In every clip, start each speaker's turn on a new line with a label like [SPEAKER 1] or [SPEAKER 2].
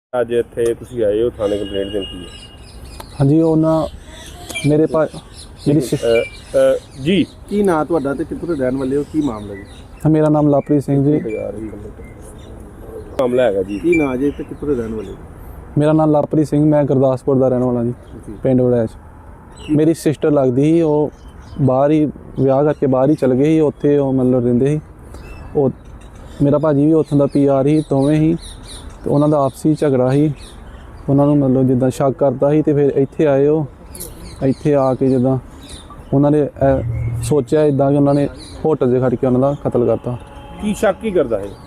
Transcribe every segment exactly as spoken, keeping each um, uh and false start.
[SPEAKER 1] ਅੱਜ ਇੱਥੇ ਤੁਸੀਂ ਆਏ ਹੋ ਥਾਣੇ ਕੰਪਲੇਂਟ ਦੇਣ ਕੀ ਹੈ?
[SPEAKER 2] ਹਾਂਜੀ ਉਹ ਨਾ ਮੇਰੇ ਪਾ ਮੇਰੀ ਸਿਸ-
[SPEAKER 1] ਅ, ਅ, ਜੀ
[SPEAKER 3] ਕੀ ਨਾਂ ਤੁਹਾਡਾ ਤੇ ਕਿੱਥੋਂ ਦੇ ਰਹਿਣ ਵਾਲੇ ਹੋ? ਕੀ ਮਾਮਲਾ ਜੀ?
[SPEAKER 2] ਮੇਰਾ ਨਾਮ ਲਵਪ੍ਰੀਤ ਸਿੰਘ ਜੀ।
[SPEAKER 1] ਮਾਮਲਾ ਹੈਗਾ ਜੀ।
[SPEAKER 3] ਕੀ ਨਾਂ ਜੇ ਤੇ ਕਿੱਥੋਂ ਦੇ ਰਹਿਣ ਵਾਲੇ ਹੋ?
[SPEAKER 2] ਮੇਰਾ ਨਾਮ ਲਵਪ੍ਰੀਤ ਸਿੰਘ, ਮੈਂ ਗੁਰਦਾਸਪੁਰ ਦਾ ਰਹਿਣ ਵਾਲਾ ਜੀ, ਪਿੰਡ ਵੜੈਚ। ਮੇਰੀ ਸਿਸਟਰ ਲੱਗਦੀ ਸੀ, ਉਹ ਬਾਹਰ ਹੀ ਵਿਆਹ ਕਰਕੇ ਬਾਹਰ ਹੀ ਚਲ ਗਏ ਸੀ। ਉੱਥੇ ਉਹ ਮਤਲਬ ਰਹਿੰਦੇ ਸੀ। ਉਹ ਮੇਰਾ ਭਾਜੀ ਵੀ ਉੱਥੋਂ ਦਾ ਪੀ ਆਰ ਸੀ, ਦੋਵੇਂ ਹੀ। ਤੇ ਉਹਨਾਂ ਦਾ ਆਪਸੀ ਝਗੜਾ ਸੀ, ਉਹਨਾਂ ਨੂੰ ਮਤਲਬ ਜਿੱਦਾਂ ਸ਼ੱਕ ਕਰਦਾ ਸੀ। ਤੇ ਫਿਰ ਇੱਥੇ ਆਏ ਉਹ ਇੱਥੇ ਆ ਕੇ ਜਿੱਦਾਂ ਉਹਨਾਂ ਨੇ ਇਹ ਸੋਚਿਆ ਇੱਦਾਂ ਕਿ ਉਹਨਾਂ ਨੇ ਹੋਟਲ 'ਚ ਖੜ ਕੇ ਉਹਨਾਂ ਦਾ ਕਤਲ ਕਰਤਾ।
[SPEAKER 1] ਕੀ ਸ਼ੱਕ ਕੀ ਕਰਦਾ ਹੈ?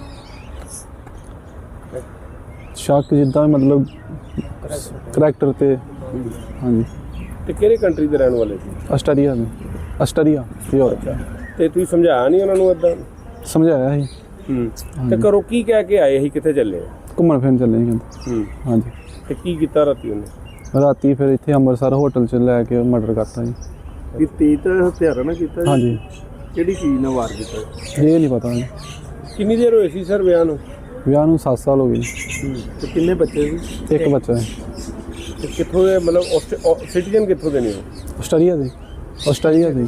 [SPEAKER 2] ਸ਼ੱਕ ਜਿੱਦਾਂ ਮਤਲਬ ਕਰੈਕਟਰ ਤੇ। ਹਾਂਜੀ।
[SPEAKER 1] ਤੇ ਕਿਹੜੇ ਕੰਟਰੀ ਦੇ ਰਹਿਣ ਵਾਲੇ ਸੀ?
[SPEAKER 2] ਆਸਟਰੀਆ ਦੇ ਆਸਟਰੀਆ ਯੂਰਪ।
[SPEAKER 1] ਤੇ ਤੁਸੀਂ ਸਮਝਾਇਆ ਨਹੀਂ ਉਹਨਾਂ ਨੂੰ ਇਦਾਂ?
[SPEAKER 2] ਸਮਝਾਇਆ ਸੀ।
[SPEAKER 1] ਹੂੰ। ਤੇ ਘਰੋਂ ਕੀ ਕਹਿ ਕੇ ਆਏ ਸੀ? ਕਿੱਥੇ ਚੱਲੇ?
[SPEAKER 2] ਘੁੰਮਣ ਫਿਰਨ ਚੱਲੇ ਸੀ ਕਹਿੰਦੇ।
[SPEAKER 1] ਹੂੰ।
[SPEAKER 2] ਹਾਂਜੀ।
[SPEAKER 1] ਤੇ ਕੀ ਕੀਤਾ ਰਾਤੀ ਉਹਨੇ?
[SPEAKER 2] ਰਾਤੀ ਫਿਰ ਇੱਥੇ ਅੰਮ੍ਰਿਤਸਰ ਹੋਟਲ 'ਚ ਲੈ ਕੇ ਮਰਡਰ ਕਰਤਾ ਜੀ।
[SPEAKER 3] ਕੀ ਤੇਜ਼ ਹਥਿਆਰਾਂ ਨਾਲ ਕੀਤਾ ਜੀ?
[SPEAKER 2] ਹਾਂਜੀ।
[SPEAKER 3] ਕਿਹੜੀ ਚੀਜ਼ ਨਾਲ ਵਾਰ ਕੀਤਾ?
[SPEAKER 2] ਇਹ ਨਹੀਂ ਪਤਾ ਜੀ।
[SPEAKER 1] ਕਿੰਨੀ ਦੇਰ ਹੋਈ ਸੀ ਸਰ ਵਿਆਹ ਨੂੰ?
[SPEAKER 2] ਵਿਆਹ ਨੂੰ ਸੱਤ ਸਾਲ ਹੋ ਗਏ।
[SPEAKER 3] ਤੇ ਕਿੰਨੇ ਬੱਚੇ ਸੀ?
[SPEAKER 2] ਇੱਕ ਬੱਚਾ ਹੈ।
[SPEAKER 1] ਤੇ ਕਿੱਥੋਂ ਦੇ ਮਤਲਬ ਸਿਟੀਜ਼ਨ ਕਿੱਥੋਂ ਦੇ ਨੇ ਉਹ?
[SPEAKER 2] ਆਸਟਰੀਆ ਦੇ ਆਸਟਰੀਆ ਦੇ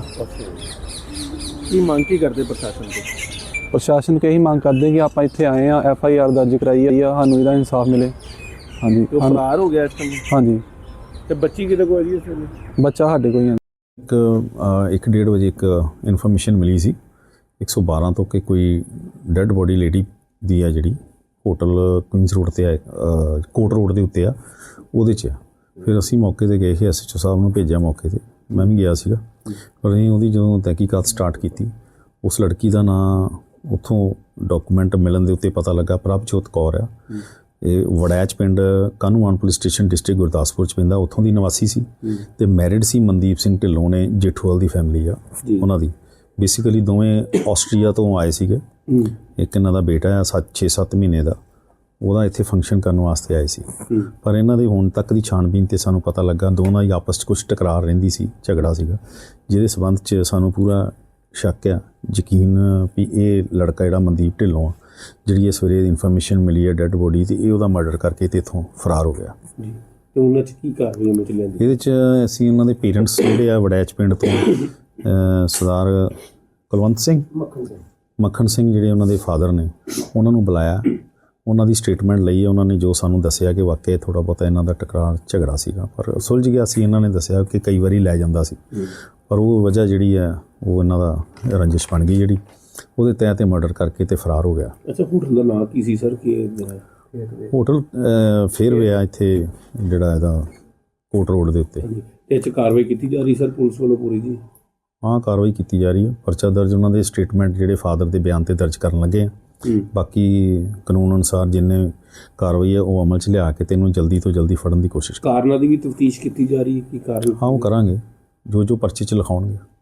[SPEAKER 3] ਕੀ ਮੰਗ ਕੀ ਕਰਦੇ ਪ੍ਰਸ਼ਾਸਨ ਤੋਂ?
[SPEAKER 2] ਪ੍ਰਸ਼ਾਸਨ ਕੇ ਹੀ ਮੰਗ ਕਰਦੇ ਕਿ ਆਪਾਂ ਇੱਥੇ ਆਏ ਆ, ਐਫ ਆਈ ਆਰ ਦਰਜ ਕਰਾਈ ਹੈ, ਸਾਨੂੰ ਇਹਦਾ ਇਨਸਾਫ ਮਿਲੇ। ਹਾਂਜੀ।
[SPEAKER 3] ਉਹ ਫਰਾਰ ਹੋ ਗਿਆ ਇਸ ਟਾਈਮ?
[SPEAKER 2] ਹਾਂਜੀ।
[SPEAKER 1] ਤੇ ਬੱਚੀ ਕਿਤੇ ਕੋਈ ਜੀ? ਇਸ ਵੇਲੇ
[SPEAKER 2] ਬੱਚਾ ਸਾਡੇ ਕੋਲ ਹੀ ਹੈ।
[SPEAKER 4] ਇੱਕ ਇੱਕ ਡੇਢ ਵਜੇ ਇੱਕ ਇਨਫੋਰਮੇਸ਼ਨ ਮਿਲੀ ਸੀ ਇੱਕ ਸੌ ਬਾਰਾਂ ਤੋਂ ਕਿ ਕੋਈ ਡੈੱਡ ਬੋਡੀ ਲੇਡੀ ਦੀ ਆ ਜਿਹੜੀ ਹੋਟਲ ਕੁਇਨਸ ਰੋਡ 'ਤੇ ਆ, ਕੋਟ ਰੋਡ ਦੇ ਉੱਤੇ ਆ, ਉਹਦੇ 'ਚ ਆ। ਫਿਰ ਅਸੀਂ ਮੌਕੇ 'ਤੇ ਗਏ ਸੀ, ਐਸ ਐਚ ਓ ਸਾਹਿਬ ਨੂੰ ਭੇਜਿਆ ਮੌਕੇ 'ਤੇ, ਮੈਂ ਵੀ ਗਿਆ ਸੀਗਾ। ਪਰ ਅਸੀਂ ਉਹਦੀ ਜਦੋਂ ਤਹਿਕੀਕਾਤ ਸਟਾਰਟ ਕੀਤੀ, ਉਸ ਲੜਕੀ ਦਾ ਨਾਂ ਉੱਥੋਂ ਡਾਕੂਮੈਂਟ ਮਿਲਣ ਦੇ ਉੱਤੇ ਪਤਾ ਲੱਗਾ ਪ੍ਰਭਜੋਤ ਕੌਰ ਆ। ਇਹ ਵੜੈਚ ਪਿੰਡ Kahnuwan police station district Gurdaspur 'ਚ ਪੈਂਦਾ, ਉੱਥੋਂ ਦੀ ਨਿਵਾਸੀ ਸੀ। ਤੇ ਮੈਰਿਡ ਸੀ ਮਨਦੀਪ ਸਿੰਘ ਢਿੱਲੋਂ ਨੇ, ਜੇਠੂਵਾਲ ਦੀ ਫੈਮਿਲੀ ਆ ਉਹਨਾਂ ਦੀ। ਬੇਸਿਕਲੀ ਦੋਵੇਂ ਆਸਟਰੀਆ ਤੋਂ ਆਏ ਸੀਗੇ। ਇੱਕ ਇਹਨਾਂ ਦਾ ਬੇਟਾ ਆ ਸੱਤ ਛੇ ਸੱਤ ਮਹੀਨੇ ਦਾ, ਉਹਦਾ ਇੱਥੇ ਫੰਕਸ਼ਨ ਕਰਨ ਵਾਸਤੇ ਆਏ ਸੀ। ਪਰ ਇਹਨਾਂ ਦੇ ਹੁਣ ਤੱਕ ਦੀ ਛਾਣਬੀਨ 'ਤੇ ਸਾਨੂੰ ਪਤਾ ਲੱਗਾ ਦੋਨਾਂ ਹੀ ਆਪਸ 'ਚ ਕੁਛ ਟਕਰਾਰ ਰਹਿੰਦੀ ਸੀ, ਝਗੜਾ ਸੀਗਾ, ਜਿਹਦੇ ਸਬੰਧ 'ਚ ਸਾਨੂੰ ਪੂਰਾ ਸ਼ੱਕ ਆ, ਯਕੀਨ ਵੀ ਇਹ ਲੜਕਾ ਜਿਹੜਾ ਮਨਦੀਪ ਢਿੱਲੋਂ ਆ, ਜਿਹੜੀ ਇਹ ਸਵੇਰੇ ਇਨਫੋਰਮੇਸ਼ਨ ਮਿਲੀ ਹੈ ਡੈੱਡ ਬੋਡੀ ਤੇ ਇਹ ਉਹਦਾ ਮਰਡਰ ਕਰਕੇ ਤੇ ਇੱਥੋਂ ਫਰਾਰ ਹੋ ਗਿਆ।
[SPEAKER 1] ਤੇ ਉਹਨਾਂ 'ਚ ਕੀ ਕਾਰਵਾਈ ਹੋਣੀ ਚਾਹੀਦੀ?
[SPEAKER 4] ਇਹਦੇ 'ਚ ਅਸੀਂ ਉਹਨਾਂ ਦੇ ਪੇਰੈਂਟਸ ਜਿਹੜੇ ਆ ਵੜੈਚ ਪਿੰਡ ਤੋਂ ਸਰਦਾਰ ਕੁਲਵੰਤ ਸਿੰਘ ਮੱਖਣ ਸਿੰਘ ਜਿਹੜੇ ਉਹਨਾਂ ਦੇ ਫਾਦਰ ਨੇ, ਉਹਨਾਂ ਨੂੰ ਬੁਲਾਇਆ, ਉਹਨਾਂ ਦੀ ਸਟੇਟਮੈਂਟ ਲਈ। ਉਹਨਾਂ ਨੇ ਜੋ ਸਾਨੂੰ ਦੱਸਿਆ ਕਿ ਵਾਕਿਆ ਥੋੜ੍ਹਾ ਬਹੁਤਾ ਇਹਨਾਂ ਦਾ ਟਕਰਾਰ ਝਗੜਾ ਸੀਗਾ, ਪਰ ਸੁਲਝ ਗਿਆ ਸੀ। ਇਹਨਾਂ ਨੇ ਦੱਸਿਆ ਕਿ ਕਈ ਵਾਰੀ ਲੈ ਜਾਂਦਾ ਸੀ, ਪਰ ਉਹ ਵਜ੍ਹਾ ਜਿਹੜੀ ਹੈ ਉਹ ਇਹਨਾਂ ਦਾ ਰੰਜਿਸ਼ ਬਣ ਗਈ, ਜਿਹੜੀ ਉਹਦੇ ਤਹਿਤ ਤੇ ਮਰਡਰ ਕਰਕੇ ਤੇ ਫਰਾਰ ਹੋ ਗਿਆ।
[SPEAKER 1] ਅੱਛਾ, ਹੋਟਲ ਦਾ ਨਾਂ ਕੀ ਸੀ ਸਰ? ਕਿ
[SPEAKER 4] ਹੋਟਲ ਫੇਅਰਵੇ ਆ ਇੱਥੇ ਜਿਹੜਾ ਇਹਦਾ ਕੋਟ ਰੋਡ ਦੇ ਉੱਤੇ।
[SPEAKER 1] ਤੇ ਇਹ 'ਚ ਕਾਰਵਾਈ ਕੀਤੀ ਜਾ ਰਹੀ ਸਰ ਪੁਲਿਸ ਵੱਲੋਂ ਪੂਰੀ ਜੀ?
[SPEAKER 4] ਹਾਂ, ਕਾਰਵਾਈ ਕੀਤੀ ਜਾ ਰਹੀ ਹੈ। ਪਰਚਾ ਦਰਜ ਉਹਨਾਂ ਦੇ ਸਟੇਟਮੈਂਟ ਜਿਹੜੇ ਫਾਦਰ ਦੇ ਬਿਆਨ ਤੇ ਦਰਜ ਕਰਨ ਲੱਗੇ ਆ। ਬਾਕੀ ਕਾਨੂੰਨ ਅਨੁਸਾਰ ਜਿੰਨੇ ਕਾਰਵਾਈ ਹੈ ਉਹ ਅਮਲ 'ਚ ਲਿਆ ਕੇ ਤੈਨੂੰ ਜਲਦੀ ਤੋਂ ਜਲਦੀ ਫੜਨ ਦੀ ਕੋਸ਼ਿਸ਼।
[SPEAKER 1] ਕਾਰਨਾਂ ਦੀ ਵੀ ਤਫਤੀਸ਼ ਕੀਤੀ ਜਾ ਰਹੀ ਹੈ? ਕੀ ਕਾਰਨ?
[SPEAKER 4] ਹਾਂ, ਉਹ ਕਰਾਂਗੇ ਜੋ ਜੋ ਪਰਚੇ 'ਚ ਲਿਖਾਉਣਗੇ।